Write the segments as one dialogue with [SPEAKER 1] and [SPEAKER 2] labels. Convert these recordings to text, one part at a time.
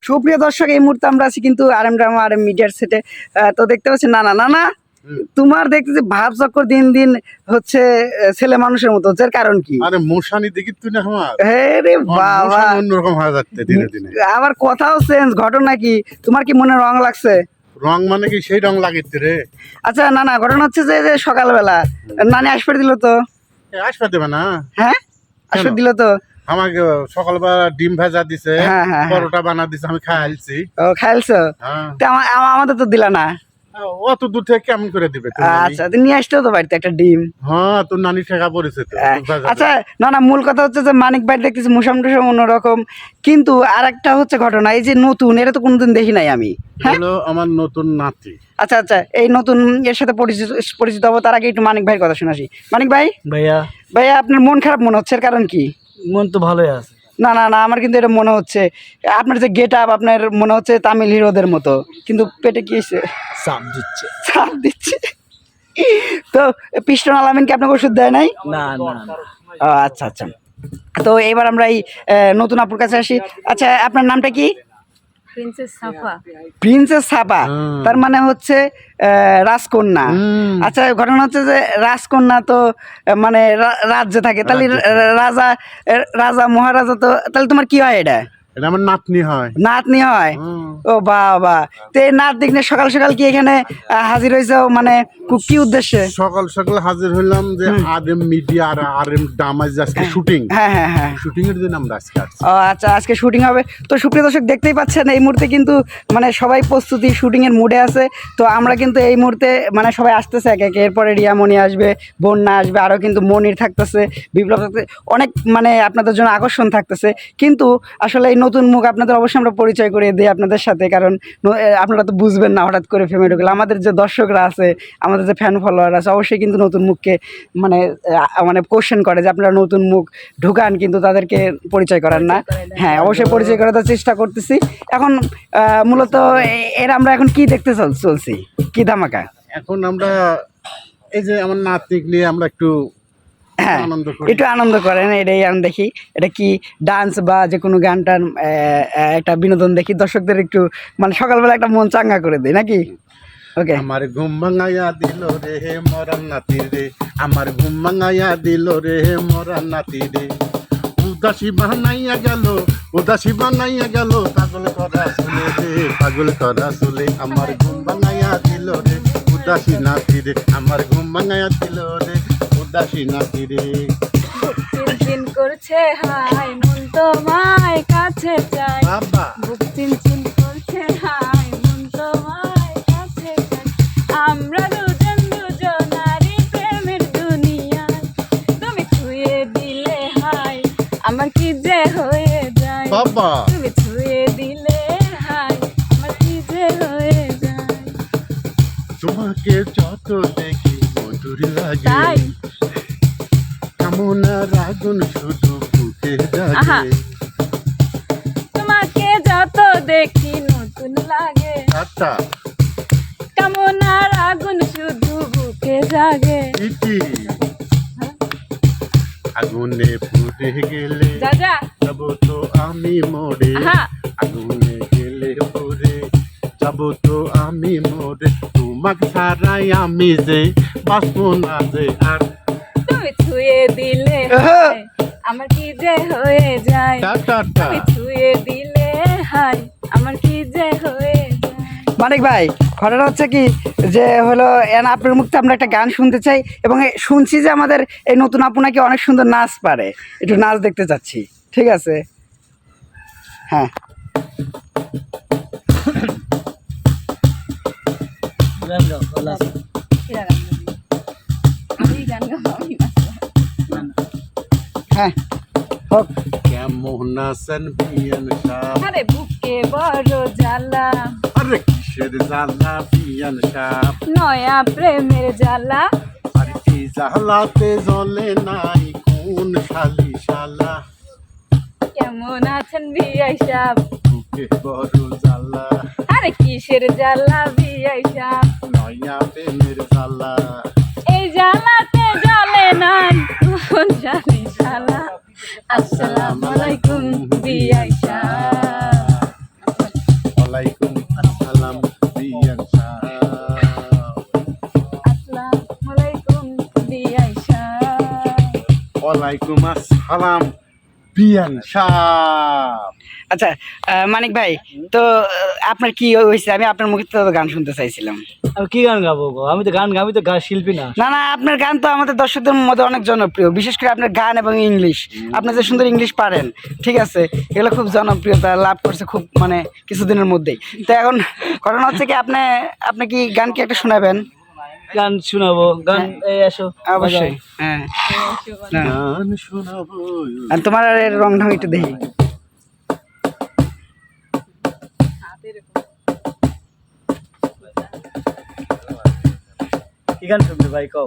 [SPEAKER 1] সুপ্রিয় দর্শক, এই মুহূর্তে আমরা আছি কিন্তু আরএম ড্রামা আরএম মিডিয়ার সেটে। তো দেখতে পাচ্ছি না তোমার দেখতেছি ভাব চক্কর দিন দিন হচ্ছে ছেলে মানুষের মতো হচ্ছে। এর কারণ কি?
[SPEAKER 2] আরে মশানি দেখি তুই না আমার
[SPEAKER 1] রে বাবা,
[SPEAKER 2] অন্যরকম হয়ে যাচ্ছে ধীরে ধীরে।
[SPEAKER 1] আবার কথাও চেঞ্জ, ঘটনা কি? তোমার কি মনে রং লাগছে?
[SPEAKER 2] রং মানে কি সেই রং লাগিচ্ছে রে?
[SPEAKER 1] আচ্ছা না ঘটনা হচ্ছে যে সকালবেলা নানি আসবে দিল তো।
[SPEAKER 2] আসবে দেবে না?
[SPEAKER 1] হ্যাঁ আসবে দিল তো।
[SPEAKER 2] আমাকে সকালবেলা ডিম ভাজা দিছে,
[SPEAKER 1] হ্যাঁ।
[SPEAKER 2] পরোটা বানা দিছে, আমি খাইছি।
[SPEAKER 1] ও খাইলছো? আমাদের তো দিলা না।
[SPEAKER 2] অত দূর থেকে কেমন করে দিবে?
[SPEAKER 1] আচ্ছা নিয়ে আসতেও তো বাড়িতে একটা ডিম।
[SPEAKER 2] হ্যাঁ, তোর নানি ঠেকা পড়েছে তো।
[SPEAKER 1] আচ্ছা না মূল কথা হচ্ছে যে মানিক ভাই দেখতেছি মুসাম টুসাম অন্যরকম, কিন্তু আর একটা হচ্ছে ঘটনা, এই যে নতুন, এটা তো কোনোদিন দেখি নাই আমি।
[SPEAKER 2] হ্যালো, আমার নতুন নাতি।
[SPEAKER 1] আচ্ছা এই নতুন এর সাথে পরিচিত হবো, তার আগে একটু মানিক ভাইয়ের কথা শুনাসি। মানিক ভাই, ভাইয়া আপনার মন খারাপ মনে হচ্ছে, এর কারণ কি?
[SPEAKER 3] মন তো ভালোই আছে।
[SPEAKER 1] না আমার কিন্তু এটা মনে হচ্ছে আপনার যে গেট আপ, আপনার মনে হচ্ছে তামিল হিরোদের মতো, কিন্তু পেটে কি
[SPEAKER 3] চাপ
[SPEAKER 1] দিচ্ছে। তো পিস্টন আলামিন কি আপনাকে ওষুধ দেয় নাই?
[SPEAKER 3] না
[SPEAKER 1] আচ্ছা তো এবার আমরা এই নতুন আপুর কাছে আসি। আচ্ছা আপনার নামটা কি? প্রিন্সেস সাফা। তার মানে হচ্ছে রাজকন্যা। আচ্ছা ঘটনা হচ্ছে যে রাজকন্যা তো মানে রাজ্যে থাকে, তাহলে রাজা মহারাজা, তো তাহলে তোমার কি হয়? এটা
[SPEAKER 2] আমার নাতনি হয়।
[SPEAKER 1] ও বাবা, তো এই নাত দেখলে সকাল সকাল কি এখানে হাজির হয়েছে, মানে কি উদ্দেশ্যে?
[SPEAKER 2] সকাল সকাল হাজির হইলাম যে আরএম মিডিয়া আর আরএম ড্রামা আজকে শুটিং।
[SPEAKER 1] হ্যাঁ
[SPEAKER 2] শুটিং এর জন্য আমরা আজকে আসছি।
[SPEAKER 1] আচ্ছা আজকে শুটিং হবে। তো সুপ্রিয় দর্শক দেখতেই পাচ্ছেন এই মুহূর্তে কিন্তু মানে সবাই প্রস্তুতি, শুটিং এর মুডে আছে। তো আমরা কিন্তু এই মুহূর্তে মানে সবাই আসতেছে একে একে, এরপরে রিয়ামণি আসবে, বন্যা আসবে, আরও কিন্তু মনির থাকতেছে, বিপ্লব থাকতেছে, অনেক মানে আপনাদের জন্য আকর্ষণ থাকতেছে। কিন্তু আসলে এই নতুন মুখ আপনাদের অবশ্যই আমরা পরিচয় করিয়ে দিই আপনাদের সাথে, কারণ আপনারা তো বুঝবেন না হঠাৎ করে ফেমে ঢুকলে। আমাদের যে দর্শকরা আছে, আমাদের যে ফ্যান ফলোয়ার আছে, অবশ্যই কিন্তু নতুন মুখকে মানে কোশ্চেন করে যে আপনারা নতুন মুখ ঢুকান, কিন্তু তাদেরকে পরিচয় করান না। হ্যাঁ অবশ্যই পরিচয় করার চেষ্টা করতেছি। এখন মূলত আমরা এখন কি দেখতে চলছি, কি ধামাকা?
[SPEAKER 2] এখন আমরা এই যে আমার নাতনিক নিয়ে আমরা একটু
[SPEAKER 1] একটু আনন্দ করেন, এটাই আমি দেখি। এটা কি ডান্স বা যে কোনো গান টান, একটা বিনোদন দেখি, দর্শকদের একটু মানে সকালবেলা একটা মন চাঙ্গা করে দেয় নাকি? ওকে।
[SPEAKER 2] আমার ঘুম ভাঙাইয়া দিল রে মরান নাতি রে, আমার ঘুম ভাঙাইয়া দিল রে মরান নাতি রে, উদাসী বানাইয়া গেল পাগল করা চলে রে, পাগল করা চলে। আমার ঘুম ভাঙাইয়া দিল রে উদাসী নাতি রে, আমার ঘুম ভাঙাইয়া দিল রে উদাসী নাতি রে।
[SPEAKER 4] চিনচিন করছে হাই মন তোমায় কাছে চাই,
[SPEAKER 2] বাবা
[SPEAKER 4] বুক চিনচিন করছে হাই মন তোমায় কাছে চাই। আমরা দুজনারই প্রেমের দুনিয়ায়, তুমি ছুঁয়ে দিলে হাই আমার কি যে হয়ে যায়।
[SPEAKER 2] বাবা
[SPEAKER 4] তুমি ছুঁয়ে দিলে হাই আমার কি যে হয়ে যায়।
[SPEAKER 2] তোমাকে যত দেখি মধুর লাগে,
[SPEAKER 4] তাই
[SPEAKER 2] কামনার আগুন শুধু বুকে
[SPEAKER 4] আহা।
[SPEAKER 2] জাগে।
[SPEAKER 4] তোমাকে যত দেখি নতুন লাগে,
[SPEAKER 2] আচ্ছা
[SPEAKER 4] কামনার আগুন শুধু বুকে জাগে।
[SPEAKER 2] ইতি আগুনে পুড়ে গেলে
[SPEAKER 4] যা
[SPEAKER 2] যাব তো আমি মরে,
[SPEAKER 4] আহা।
[SPEAKER 2] আগুনে গেলে পুড়ে যাব তো আমি মরে, তোমাকে ছাড়াই আমি যে বাঁচবো না যে আর।
[SPEAKER 4] তুমি ছুঁয়ে দিলে হাই আমার কি যে হয়ে যায়।
[SPEAKER 2] টাটা
[SPEAKER 4] তুমি ছুঁয়ে দিলে হাই আমার কি যে হয়ে যায়।
[SPEAKER 1] মানিক ভাই, ঘটনা হচ্ছে কি যে হলো আপনার মুখে আমরা একটা গান শুনতে চাই, এবং শুনছি যে আমাদের এই নতুন আপু নাকি অনেক সুন্দর নাচ পারে, একটু নাচ দেখতে চাচ্ছি। ঠিক আছে? হ্যাঁ হ্যাঁ হোক।
[SPEAKER 2] কেমন আছেন বিয়ান সাহ?
[SPEAKER 4] আরে বুকে বড় জ্বালা,
[SPEAKER 2] আরে কিসের জ্বালা বিয়ান সাহ?
[SPEAKER 4] নয়া প্রেমের জ্বালা।
[SPEAKER 2] আর কি জ্বালাতে জ্বলে নাই কোন শালি শালা?
[SPEAKER 4] কেমন আছেন বিআই সাহেব?
[SPEAKER 2] বুকে বড় জ্বালা,
[SPEAKER 4] আরে কিসের জ্বালা বিআই সাহেব?
[SPEAKER 2] নয়া প্রেমের জ্বালা।
[SPEAKER 4] এই জ্বালাতে জ্বলে নাই কোন শালি শালা। আসসালামু আলাইকুম বিআই সাহেব।
[SPEAKER 2] ওয়ালাইকুম আসসালাম বিয়ান সাহেব।
[SPEAKER 4] আসসালামু আলাইকুম বিআই সাহেব।
[SPEAKER 2] ওয়ালাইকুম আসসালাম বিয়ান সাহেব।
[SPEAKER 1] আচ্ছা মানিক ভাই, তো আপনার কি হয়েছে? আমি আপনার মুখে তো গান শুনতে চাইছিলাম।
[SPEAKER 3] আমি কি গান গাবো গো? আমি তো গান শিল্পী না।
[SPEAKER 1] না না, আপনার গান তো আমাদের দর্শকদের মধ্যে অনেক জনপ্রিয়, বিশেষ করে আপনার গান এবং ইংলিশ। আপনি যে সুন্দর ইংলিশ পারেন, ঠিক আছে, এগুলো খুব জনপ্রিয়তা লাভ করছে খুব মানে কিছুদিনের মধ্যেই। তো এখন ঘটনা হচ্ছে কি, আপনি কি গান কি একটা শোনাবেন?
[SPEAKER 3] গান শোনাবো, গান এই আসো
[SPEAKER 1] অবশ্যই, হ্যাঁ। না,
[SPEAKER 2] গান শোনাবো।
[SPEAKER 1] আর তোমার রং ঢং একটু দেখি।
[SPEAKER 3] কি গান শুনবে ভাই কও?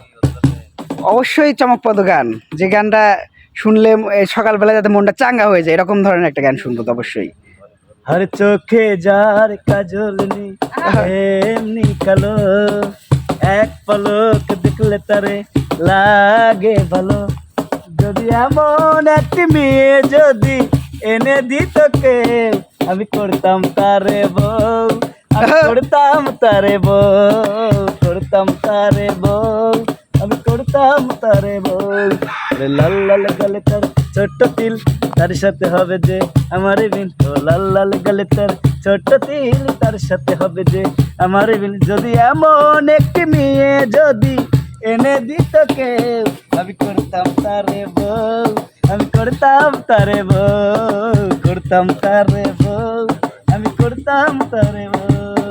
[SPEAKER 1] অবশ্যই চমকপ্রদ গান, যে গানটা শুনলে সকালবেলা যাতে মনটা চাঙ্গা হয়ে যায়, এরকম ধরনের একটা গান শুনবো তো অবশ্যই।
[SPEAKER 3] হর চোখে যার কাজল নি এমনি কালো, এক পলক দেখলে তারে লাগে ভালো। যদি এমন একটি মেয়ে যদি এনে দিত কেউ, আমি করতাম তারে বউ, আমি করতাম তারে বউ, করতাম তারে বউ, আমি করতাম তারে বউ। আরে লাল লাল গালে তার ছোট্ট তিল, তার সাথে হবে যে আমার বিন। ও লাল লাল গালে তার ছোট্ট তিল, তার সাথে হবে যে আমার বিন। যদি এমন একটি মেয়ে যদি এনে দিত কেউ, আমি করতাম তারে বউ, আমি করতাম তারে বউ, করতাম তারে বউ, আমি করতাম তারে বউ।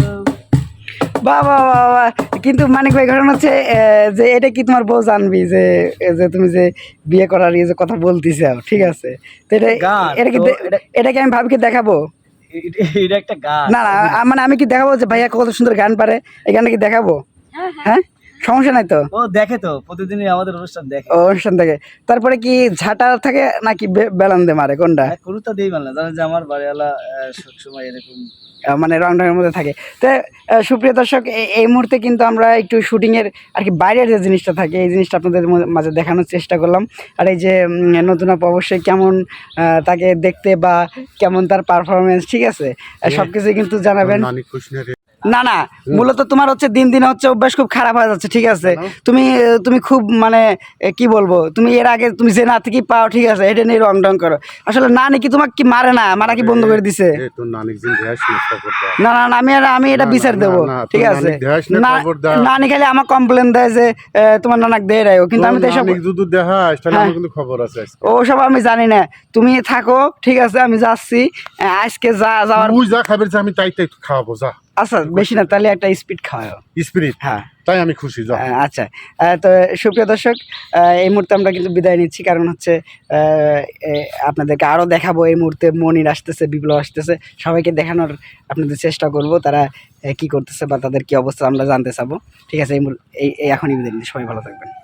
[SPEAKER 1] বাবা বাবা, কিন্তু মানিক ভাই ঘটনা হচ্ছে যে এটা কি তোমার বউ জানবি যে যে তুমি যে বিয়ে করার যে কথা বলতেছ, ঠিক আছে? তো
[SPEAKER 3] গান
[SPEAKER 1] এটা কি
[SPEAKER 3] তো
[SPEAKER 1] এটা কি আমি ভাবিকে দেখাবো?
[SPEAKER 3] এটা একটা গান।
[SPEAKER 1] না না, মানে আমি কি দেখাবো যে ভাইয়া কত সুন্দর গান পারে, এই গানটা কি দেখাবো? হ্যাঁ, সমস্যা নাই তো?
[SPEAKER 3] ও দেখে তো, প্রতিদিনই আমাদের অনুষ্ঠান দেখে।
[SPEAKER 1] ও, অনুষ্ঠান থেকে তারপরে কি ঝাঁটা থাকে নাকি বেলান দিয়ে মারে, কোনটা?
[SPEAKER 3] কুরুতা দিই মানে জানে যে আমার বাড়িওয়ালা সবসময় এরকম
[SPEAKER 1] মানে রং ঢঙের মধ্যে থাকে। তো সুপ্রিয় দর্শক, এই মুহূর্তে কিন্তু আমরা একটু শুটিংয়ের আর কি বাইরের যে জিনিসটা থাকে, এই জিনিসটা আপনাদের মাঝে দেখানোর চেষ্টা করলাম। আর এই যে নতুন আপু অবশ্যই কেমন তাকে দেখতে বা কেমন তার পারফরমেন্স, ঠিক আছে, সব কিছুই কিন্তু জানাবেন।
[SPEAKER 2] নানি খুশনে রে।
[SPEAKER 1] না না, মূলত তোমার হচ্ছে দিন দিন হচ্ছে অভ্যাস খুব খারাপ হয়ে যাচ্ছে, ঠিক আছে? তুমি খুব মানে কি বলবো, তুমি এর আগে তুমি যে না থেকে পাও, ঠিক আছে, এটা নিয়ে রং ডং করো। আসলে না নাকি তোমাকে কি মারে না, মারা কি বন্ধ করে দিছে?
[SPEAKER 2] এ তোর নানিক জিন দেখাস না, খবর দাও।
[SPEAKER 1] না না না, আমি এটা বিচার দেবো,
[SPEAKER 2] না,
[SPEAKER 1] ঠিক
[SPEAKER 2] তোর
[SPEAKER 1] আছে?
[SPEAKER 2] নানিক দেখাস না,
[SPEAKER 1] না
[SPEAKER 2] খবর দাও।
[SPEAKER 1] নানি খালি আমার কমপ্লেন দেয় যে তোমার নানাক দেয় রাখো, কিন্তু আমি তো এসব
[SPEAKER 2] নানিক যদি দেখাস তাহলে আমার কিন্তু খবর আছে আজকে।
[SPEAKER 1] ওসব আমি জানি না। তুমি থাকো, ঠিক আছে, আমি যাচ্ছি আজকে যাওয়ার।
[SPEAKER 2] তুই যা খাবার যা, আমি তাই তাই খাওয়াবো, যা।
[SPEAKER 1] আচ্ছা বেশি না, তাহলে একটা স্পিড খাওয়াও।
[SPEAKER 2] স্পিরিট,
[SPEAKER 1] হ্যাঁ
[SPEAKER 2] তাই আমি খুশি, যা।
[SPEAKER 1] আচ্ছা, তো সুপ্রিয় দর্শক, এই মুহূর্তে আমরা কিন্তু বিদায় নিচ্ছি, কারণ হচ্ছে আপনাদেরকে আরও দেখাবো। এই মুহূর্তে মনির আসতেছে, বিপ্লব আসতেছে, সবাইকে দেখানোর আপনাদের চেষ্টা করব তারা কি করতেছে বা তাদের কি অবস্থা আমরা জানতে চাবো, ঠিক আছে? এই এখনই বিদায় নিচ্ছি, সবাই ভালো থাকবেন।